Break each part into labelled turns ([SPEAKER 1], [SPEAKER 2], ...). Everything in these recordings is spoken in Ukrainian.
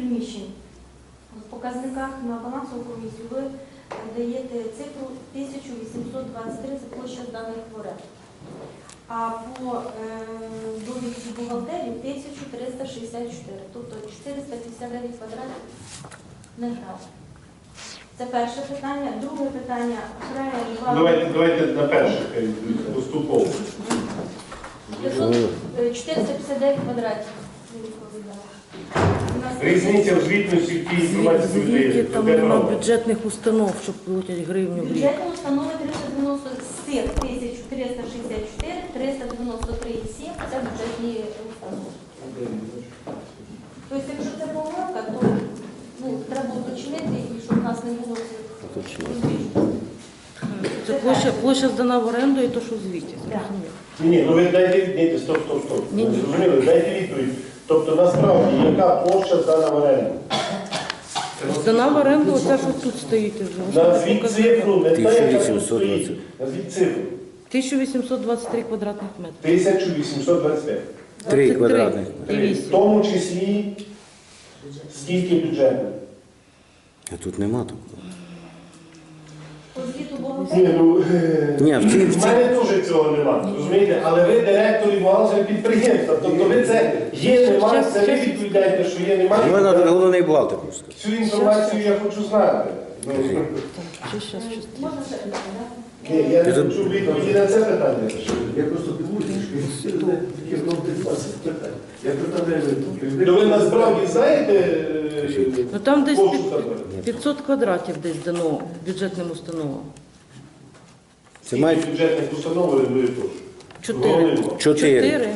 [SPEAKER 1] приміщень. В показниках на балансову комісію ви даєте цифру 1823, це площа зданих в оренду. А по довідці бухгалтерії 1364, тобто 459 квадратів не грав. Це перше питання. Друге питання.
[SPEAKER 2] Давайте на перше, поступово.
[SPEAKER 1] 459 квадратів.
[SPEAKER 2] Різниця в звітності в тій інформації, що ви
[SPEAKER 3] Звідки
[SPEAKER 2] даєте.
[SPEAKER 3] там нема бюджетних установ, щоб платять гривню в рік?
[SPEAKER 1] Бюджетні установи 390 з цих 1364, 393,7 це бюджетні установи. Тобто, якщо це помилка, то треба уточнити, і щоб у нас не було розбіжностей.
[SPEAKER 3] Це площа здана в оренду і то, що в звіті.
[SPEAKER 2] Ні, ви дайте відповідь, стоп. Зрозуміли, дайте відповідь. Тобто, насправді, яка площа здана в оренду?
[SPEAKER 3] Здана в оренду, оце, що тут стоїть вже.
[SPEAKER 2] Назвіть цифру, не та, яка тут стоїть. Назвіть цифру.
[SPEAKER 3] 1823 квадратних метри.
[SPEAKER 2] 1825.
[SPEAKER 3] 3
[SPEAKER 4] квадратних.
[SPEAKER 2] В тому числі, скільки бюджетних?
[SPEAKER 4] А тут нема такого.
[SPEAKER 1] По звіту бухгалтерії.
[SPEAKER 4] Ні,
[SPEAKER 2] В мене теж цього нема, розумієте? Але ви директор і бухгалтер підприємства. Тобто ви це є, нема, це ви відповідаєте, що є,
[SPEAKER 4] у мене
[SPEAKER 2] немає.
[SPEAKER 4] головний бухгалтер просто.
[SPEAKER 2] Цю інформацію я хочу знати.
[SPEAKER 1] Можна ще питання?
[SPEAKER 2] Ні, я не хочу відповіді на це питання.
[SPEAKER 5] Я просто дивуюся, що таке знову 20 питань. Я питаю,
[SPEAKER 2] То ви насправді знаєте,
[SPEAKER 3] Ну там десь
[SPEAKER 2] площу там?
[SPEAKER 3] 500 квадратів десь дано бюджетним установам.
[SPEAKER 4] Це має
[SPEAKER 2] Скільки бюджетних установ орендує площу?
[SPEAKER 3] 4.
[SPEAKER 4] 4.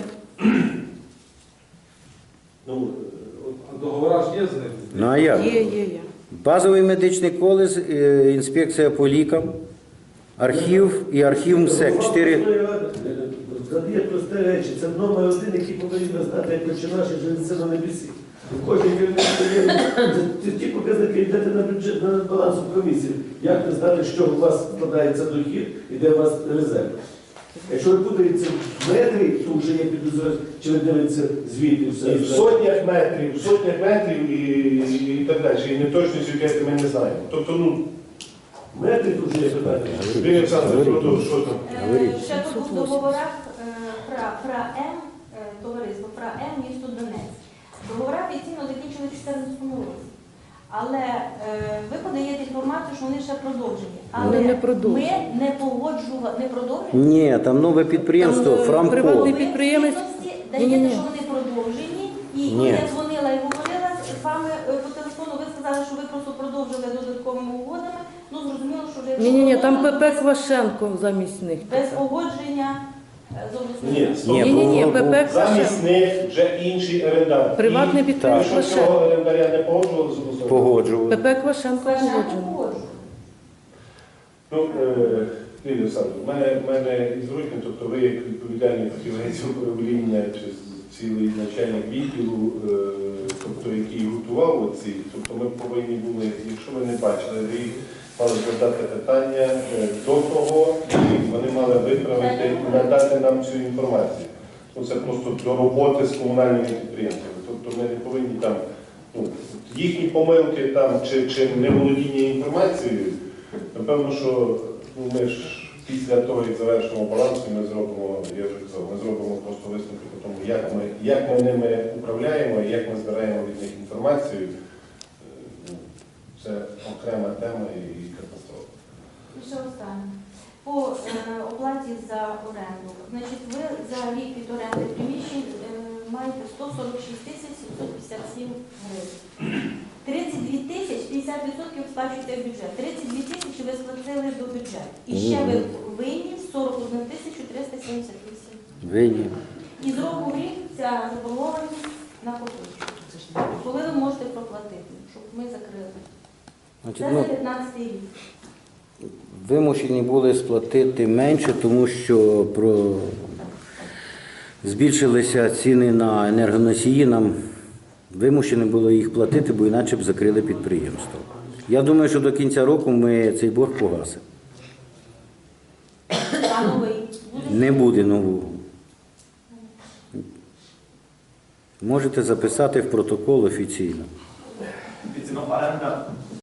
[SPEAKER 2] Ну,
[SPEAKER 5] договора ж є з ним?
[SPEAKER 4] Ну а як?
[SPEAKER 3] Є.
[SPEAKER 4] Базовий медичний коледж, інспекція по лікам, архів і архів МСЕК. 4.
[SPEAKER 5] Задає прості речі. Це номер один, який повинен знати, як починаш і живеться на небесі. Кожен керівник це ті показники, йдете на бюджет, на балансу комісії. Як ви знати, що у вас складається дохід і де у вас резерв? Якщо ви путаєте в метрі, то вже є підозрювання, чи ви дивитеся звідти все.
[SPEAKER 2] в сотнях метрів і так далі. І неточності, яке ми не знаємо. Тобто,
[SPEAKER 5] Метри тут вже є питання.
[SPEAKER 2] Юрій Олександрович, продовжуй, що там?
[SPEAKER 1] Ще тут в договорах ПРА-М, товариство ПРА-М, місто Донецьк. Договори офіційно закінчили в 2014 році. Але ви подаєте інформацію, що вони ще продовжені. Але
[SPEAKER 3] Вони не продовжені.
[SPEAKER 1] ми не погоджували, не продовжені.
[SPEAKER 4] Ні, там нове підприємство,
[SPEAKER 3] Там,
[SPEAKER 4] Фрамко.
[SPEAKER 3] приватний
[SPEAKER 1] Ви
[SPEAKER 3] підприємець.
[SPEAKER 1] в звітності даєте,
[SPEAKER 3] Ні-ні-ні.
[SPEAKER 1] що вони продовжені. І
[SPEAKER 4] Ні.
[SPEAKER 1] коли я дзвонила і говорила з вами по телефону, ви сказали, що ви просто продовжили додатковими угодами. Ну, зрозуміло, що вже...
[SPEAKER 3] Ні, там ПП Квашенко замість них.
[SPEAKER 1] Без погодження з обласною.
[SPEAKER 2] Ні,
[SPEAKER 3] Ні, ПП
[SPEAKER 2] замість
[SPEAKER 3] Квашенко.
[SPEAKER 2] них вже інший орендар.
[SPEAKER 3] Приватний
[SPEAKER 2] І
[SPEAKER 3] підприємець
[SPEAKER 2] ви що цього
[SPEAKER 3] Квашенко.
[SPEAKER 2] орендаря не погоджували з обласною?
[SPEAKER 4] Погоджували.
[SPEAKER 3] ПП Квашенко погоджено.
[SPEAKER 2] Юрій Олександрович, в мене із Рудьким, тобто ви як відповідальний фахівець управління чи цілий начальник відділу, тобто який готував оці, тобто ми повинні були, якщо ви не бачили, ви мали задати питання до того, і вони мали виправити і надати нам цю інформацію. Це просто до роботи з комунальними підприємствами. Тобто ми не повинні там, їхні помилки там, чи неволодіння інформацією, напевно, що ми ж після того, як завершимо баланс, ми зробимо, я вже казав, ми зробимо просто висновки по тому, як ми ними управляємо і як ми збираємо від них інформацію. Це окрема тема і катастрофа.
[SPEAKER 1] І ще останнє. По оплаті за оренду. Значить, ви за рік від оренди приміщень маєте 146 тисяч 757 гривень. 32 тисяч, 50% сплачуєте в бюджет. 32 тисячі ви сплатили до бюджету. І ще ви винні 41 тисячу 378.
[SPEAKER 4] Винні.
[SPEAKER 1] І з року в рік ця заборгованість накопичується. Коли ви можете проплатити, щоб ми закрили?
[SPEAKER 4] Значить,
[SPEAKER 1] Це
[SPEAKER 4] ну,
[SPEAKER 1] за 15 рік.
[SPEAKER 4] вимушені були сплатити менше, тому що збільшилися ціни на енергоносії, нам вимушені було їх платити, бо іначе б закрили підприємство. Я думаю, що до кінця року ми цей борг погасимо.
[SPEAKER 1] А новий буде?
[SPEAKER 4] Не буде нового. Можете записати в протокол офіційно.
[SPEAKER 6] офіційно оренда